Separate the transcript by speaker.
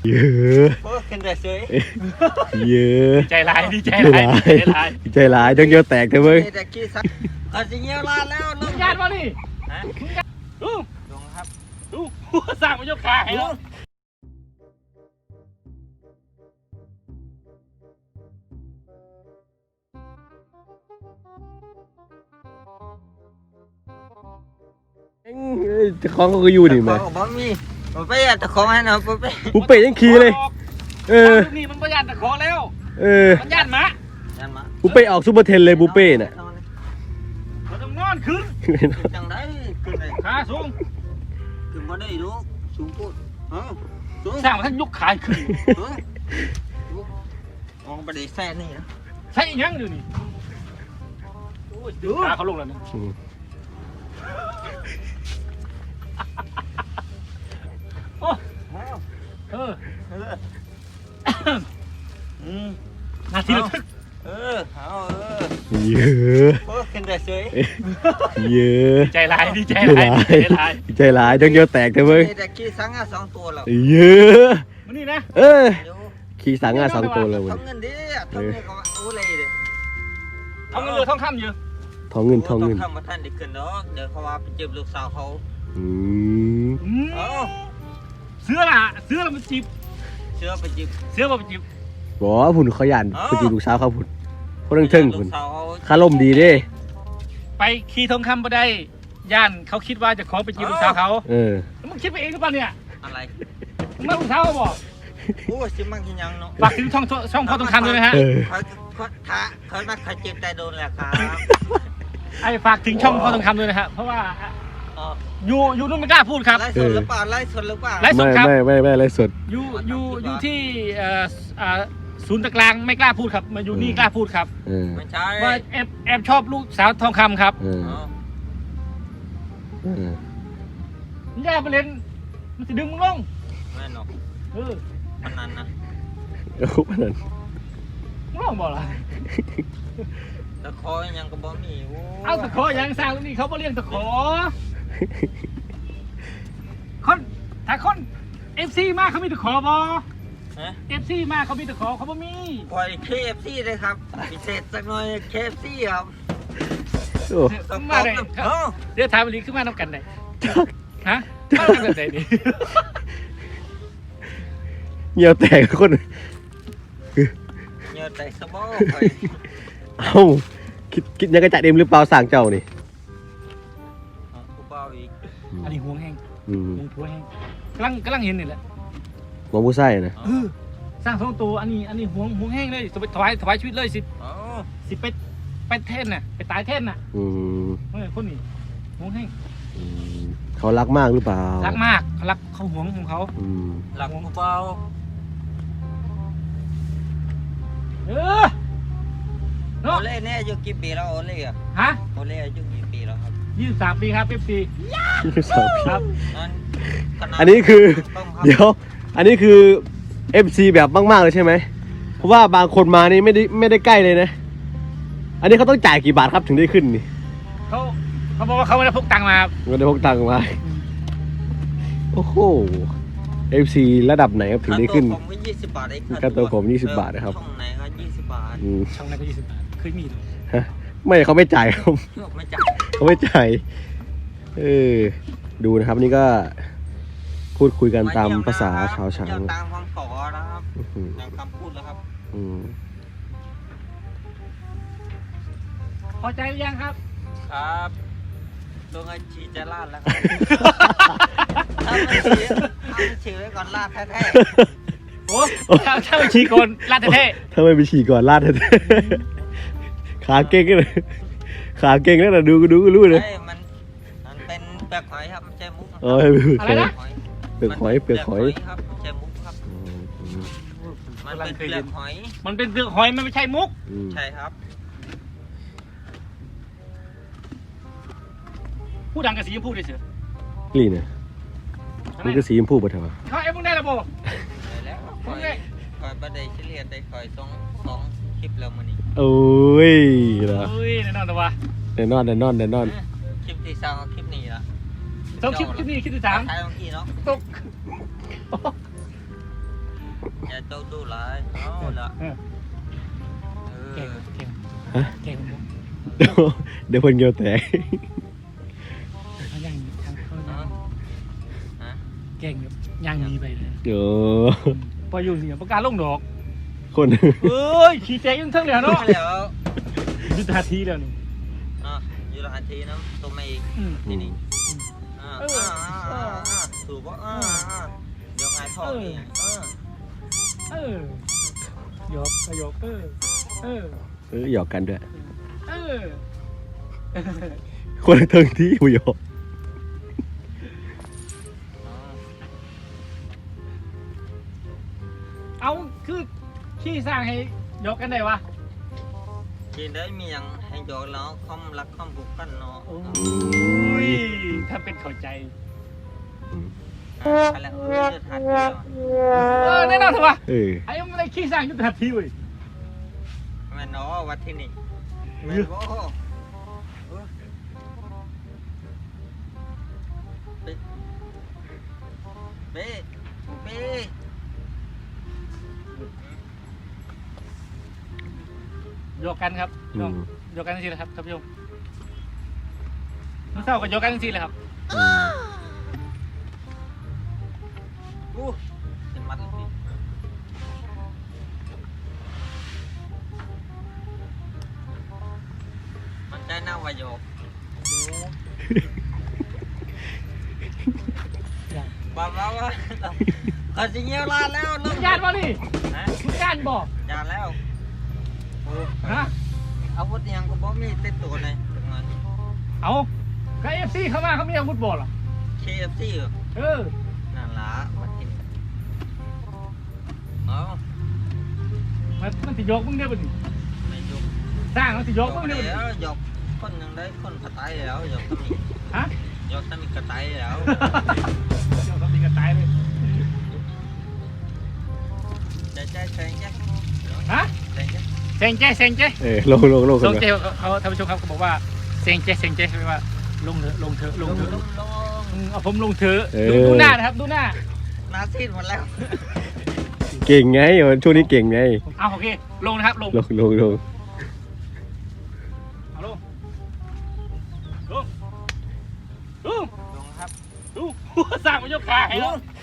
Speaker 1: เยอะ
Speaker 2: ขึ้นได้เฉย
Speaker 1: เยอะ
Speaker 3: ใจร้ายดีใจร้าย
Speaker 1: ใจร้ายต้องเยอะแตกเถอะมึง
Speaker 2: แต่ขี้สักก็จะเงี้ยวลาแล้วลุง
Speaker 3: ญาติวะนี่ดู
Speaker 2: ลุงครับ
Speaker 3: ดูสั่งมายกขาให้แล้ว
Speaker 1: จะคล้องก็อยู่นี่ไหม
Speaker 2: บ่มีบ่ไปตะของให้นะบ่ไป
Speaker 1: ปุ๊เป้ยังขี่เลย
Speaker 3: นี่มันประหยัดตะขอแล้วมันญาติมะ
Speaker 1: ปุ๊เป้ออกซูเปอร์เทนเลยปุ๊เป้น่ะ
Speaker 3: มันต้องนอนขึ้น
Speaker 2: จังได้ขึ้นได้
Speaker 3: ขาสูง
Speaker 2: ขึ้นบ่ได้ลูกสูงพูดสูง
Speaker 3: สั่งมาท่านยกขาขึ้น
Speaker 2: มองไปได้แซ่นี่นะ
Speaker 3: ใช่ยังอยู่นี่ขาเขาลงแล้วนะโอ้นาทีระทึก
Speaker 1: เยอะ
Speaker 2: ขึ้นได้เฉย
Speaker 1: เยอะ
Speaker 3: ใจร้ายดีใจร้าย
Speaker 1: ต้องเยอะแตกเถอะมึง
Speaker 2: แต่ขี้สังอ่ะ2ตัวแล้ว
Speaker 1: เยอะ
Speaker 3: มันนี่นะ
Speaker 1: ขี่สังอ่ะ2ตัวเลยมึง
Speaker 2: ทำเงินดิทำเงินก็โอ้เลยเด้
Speaker 3: ทำเงินเรือทองคำอยู่
Speaker 1: ทองเงิน
Speaker 2: ทำมาท่านได้ขึ้นเนาะเดี๋ยวเขาว่าไปเจ็บลูกสาวเขา
Speaker 3: เสื้อมันจีบ
Speaker 2: เสื้อไปจีบ
Speaker 1: บอกว่าผุนเขายันไปจีบลูกสาวเขาผุนเขาเทิงผุนคาร่มดีดิ
Speaker 3: ไปขี่ทองคำไปได้ย่านเขาคิดว่าจะขอไปจีบลูกสาวเขามึงคิดไปเองหรือเปล่าเนี่ย
Speaker 2: อะไร
Speaker 3: มึงลูกสาวเขาบอก
Speaker 2: โอ้ชิมังกินยังเนาะ
Speaker 3: ฝากถึงช่องพ่อทองคำด้วยนะฮะ
Speaker 2: เขานัดเขาเจ็บใจโดนแหละครับ
Speaker 3: ไอ้ฝากถึงช่องพ่อทองคำด้วยนะฮะเพราะว่าอยู่นู่นไม่กล้าพูดครับ
Speaker 2: ไล่สดหรือเปล่าไล่สด
Speaker 1: ครับไม่ไล่สด
Speaker 3: อยู่ที่ศูนย์ตะกลางไม่กล้าพูดครับมาอยู่นี่กล้าพูดครับ
Speaker 2: ไม่ใช่
Speaker 3: ว่าแอบชอบลูกสาวทองคำครับมันแย่ไปเล่นมันจะดึงมึงลง
Speaker 2: แม่นอกมันนั้นนะ
Speaker 1: มันนั้น
Speaker 3: มึงลงบอกล่ะ
Speaker 2: ตะขอยังก็บ่มี
Speaker 3: เอาตะขอยังสร้างตรงนี้เขาบ่เลี้ยงตะขอถ้าคน FC มาเขามีตะขอบ่FC มาเขามีตะขอเขาบ่มี
Speaker 2: ปล่อย KFC เลยครับพิเศษสักหน่อย KFC ครับ
Speaker 3: มาได้เดี๋ยวถามอีกขึ้นมาทำกันได้ฮะมาทำกันได้ดิ
Speaker 1: เงียวแตกคน
Speaker 2: เงียวแตกสะบ้อ
Speaker 1: เอ้าคิดยังกระจายเต็มหรือเปล่าสั่งเจ้านี่
Speaker 2: กูเปล่าอีก
Speaker 3: อันนี้ห่วงแห้งห่วงแห้งกำลังเห็นนี่แหละ
Speaker 1: หมอผู้ใส่นะ
Speaker 3: สร้างสองตัวอันนี้ห่วงแห้งเลยจะไปถวายชีวิตเลยสิไปเท่นน่ะไปตายเท่นน่ะคนนี้ห่วงแห้ง
Speaker 1: เขารักมากหรือเปล่า
Speaker 3: รักมากเขารักเขาห่วงของเขา
Speaker 2: รักกูเปล่าโอเล่เนี่ยอายุกี่ปีแล้วโอเล่อะ
Speaker 3: ฮะ
Speaker 2: โอเล่อายุกี่ปีแล้วครับ
Speaker 3: 23 ปีครับFC
Speaker 1: 23
Speaker 3: ครับ
Speaker 1: อันนี้คือเดี๋ยวอันนี้คือ FC แบบมากๆเลยใช่ไหมเพราะว่าบางคนมานี่ไม่ได้ใกล้เลยนะอันนี้เขาต้องจ่ายกี่บาทครับถึงได้ขึ้นนี่
Speaker 3: เขาบอกว่าเขาไม่ได้พกตังค์มาครับ
Speaker 1: ไม่ได้พกตังค์มาโอ้โห FC ระดับไหนครับถึงได้ขึ้น
Speaker 2: ผมก็20 บาทเอง
Speaker 1: ค่าตัวผม20 บาทนะครับ
Speaker 2: ช่องไหนก็20 บาท
Speaker 3: ช่องไหนก็20 บาทเคยมีหรอ
Speaker 1: ไม่เขาไม่จ่ายครับ
Speaker 2: ไม่จ่าย
Speaker 1: เขาไม่จ่ายดูนะครับนี่ก็พูดคุยกันตามภาษาชาวช้าง
Speaker 2: ตามคำขอนะครับตามคำพูดแล้วครับ
Speaker 3: พอใจหรือยังครับ
Speaker 2: ครับตัวเงินชีจะลาดแล้วครับถ้าไม่ชีไว้ก่อนลาดแท้
Speaker 3: ๆโอ้ถ้าไม่ฉีก่อนลาดแท้
Speaker 1: ๆถ้าไม่ไปฉีก่อนลาดแท้ๆขาเก่งเลยขาเก่งแล้วนะดูก็รู้เลย
Speaker 2: มันเป็นเปลือกหอยครับไม่ใช่มุก
Speaker 3: อะไรนะ
Speaker 1: เปลือกหอย
Speaker 2: ครับไม่ใช่มุกครับมันเป็นเปลือกหอย
Speaker 3: มันเป็นเปลือกหอยมันไม่ใช่มุก
Speaker 2: ใช่ครับ
Speaker 3: พูดดังกับสีชมพูได้เสือ
Speaker 1: นี่เนี่ยมันก็สีชมพูป่ะท่าน
Speaker 3: เขามึงได้ระบบ
Speaker 2: ได้แล้วคอยบัดได้เฉลี่ยได้คอยสองคลิปแล้วมันนี่
Speaker 1: โอ้ยนะ
Speaker 3: แน่นอนแต่ว่า
Speaker 1: แน่นอน
Speaker 2: คลิปที่2คลิปนี้ละ
Speaker 3: 2คลิปนี้คลิปที่3
Speaker 2: ถ่ายเมื่อกี้เนาะ
Speaker 3: ตก
Speaker 2: อย่าโตดูหลายเอาละ
Speaker 3: เออ
Speaker 2: เอ
Speaker 3: เก่ง
Speaker 2: อ
Speaker 3: เก่ง
Speaker 1: ฮะ
Speaker 3: เก่ง
Speaker 1: เดี๋ยวเพิ่นเกี่ยวแตก
Speaker 3: เขาย่างทางเขา
Speaker 2: เอาฮะ
Speaker 3: เก่งแบบย่างมีไปเลย
Speaker 1: โอ้
Speaker 3: พออยู่เสียประกาศลงดอก
Speaker 1: คน
Speaker 3: เอ้ยขี่แจกยังเทั้งเลยเนาะ
Speaker 2: เดี๋ยว
Speaker 3: ยุทธาทีแล้วนี่
Speaker 2: อยู่ละทีนะตัวไม่อีก
Speaker 3: อืม
Speaker 2: ที่นี่
Speaker 3: เออ
Speaker 2: ถูกป่ะเดี๋ยวไงท่อนี่
Speaker 3: เออหยอกก็หยอก
Speaker 1: หยอกกันด้วย
Speaker 3: เออ
Speaker 1: คนละเทิงที่ผู้หยอก
Speaker 3: เอาคือขี้สร้างให้หยอกกันได้วะ
Speaker 2: กินได้มีอย่างให้โยนแล้วคอมรักคอมผูกกันเนาะ
Speaker 3: โอ้ยถ้าเป็นเข้าใจ
Speaker 2: ไปแล้วจะทานเดียว
Speaker 3: แน่นอนเถอะวะ
Speaker 1: เออ
Speaker 3: ไอ้ไม่ได้ขี้สร้างยุทธาทีเว้ย
Speaker 2: แม่เนาะวัดที่นี่แม่โอ้เป๊ะเป๊ะ
Speaker 3: หยอกกันครับ
Speaker 1: อืม
Speaker 3: หยอกกันจริงๆเลยครับท่านผู้ชมมันเศร้ากับหยอกกันจริงๆเลยครับ
Speaker 2: เป็นมัดเลยมันได้หน้าวายโยกบ้าว่าเขาจะเงี้ยวลาแล้ว
Speaker 3: มึงญาติบ่นี่
Speaker 2: ฮะ
Speaker 3: มึงญาติบ่
Speaker 2: ยาแล้ว
Speaker 3: ฮะ
Speaker 2: อาวุธยังก็บ่มีติดตัวเลย
Speaker 3: เอาก็เอฟซีเข้ามาเขามีอาวุธบ่หรอ
Speaker 2: KFC
Speaker 3: เออ
Speaker 2: นั่นละมากินเอา
Speaker 3: มันติยกมึงเนี่ยบ่ดิ
Speaker 2: ไม่ยก
Speaker 3: สร้างมันติยกมึงเนี่ยบ่ดิ
Speaker 2: แล้วยกคนยังได้คนกระต่ายแล้วยกต้องมี
Speaker 3: ฮะ
Speaker 2: ยกต้องมีกระต่ายแล้ว
Speaker 3: เดี๋ยวต้องตีกันตายเลย
Speaker 2: ใจแซงแจ๊
Speaker 3: ฮะ
Speaker 2: แซงแจ๊
Speaker 3: เซงเจ้เซงเจ้
Speaker 1: เออลง
Speaker 3: เซ
Speaker 1: กัน
Speaker 3: ง
Speaker 1: นะ
Speaker 3: เจ้เขาท่านผู้ชมครับเขาบอกว่าเซงเจ้ใช่ไหมว่าลงเถอะลงเถอะลงเถอะเอาผมลงเถอะดูหน้านะครับดูหน้า
Speaker 2: หน้าซีดหมดแล้ว
Speaker 1: เก่งไงช่วงนี้เก่งไง
Speaker 3: เอาโอเคลงนะครับลง
Speaker 1: ลง
Speaker 3: เอาลงลง
Speaker 2: ลงครับ
Speaker 3: ดูสร้างมันยกขาให้แล้ว
Speaker 2: ลง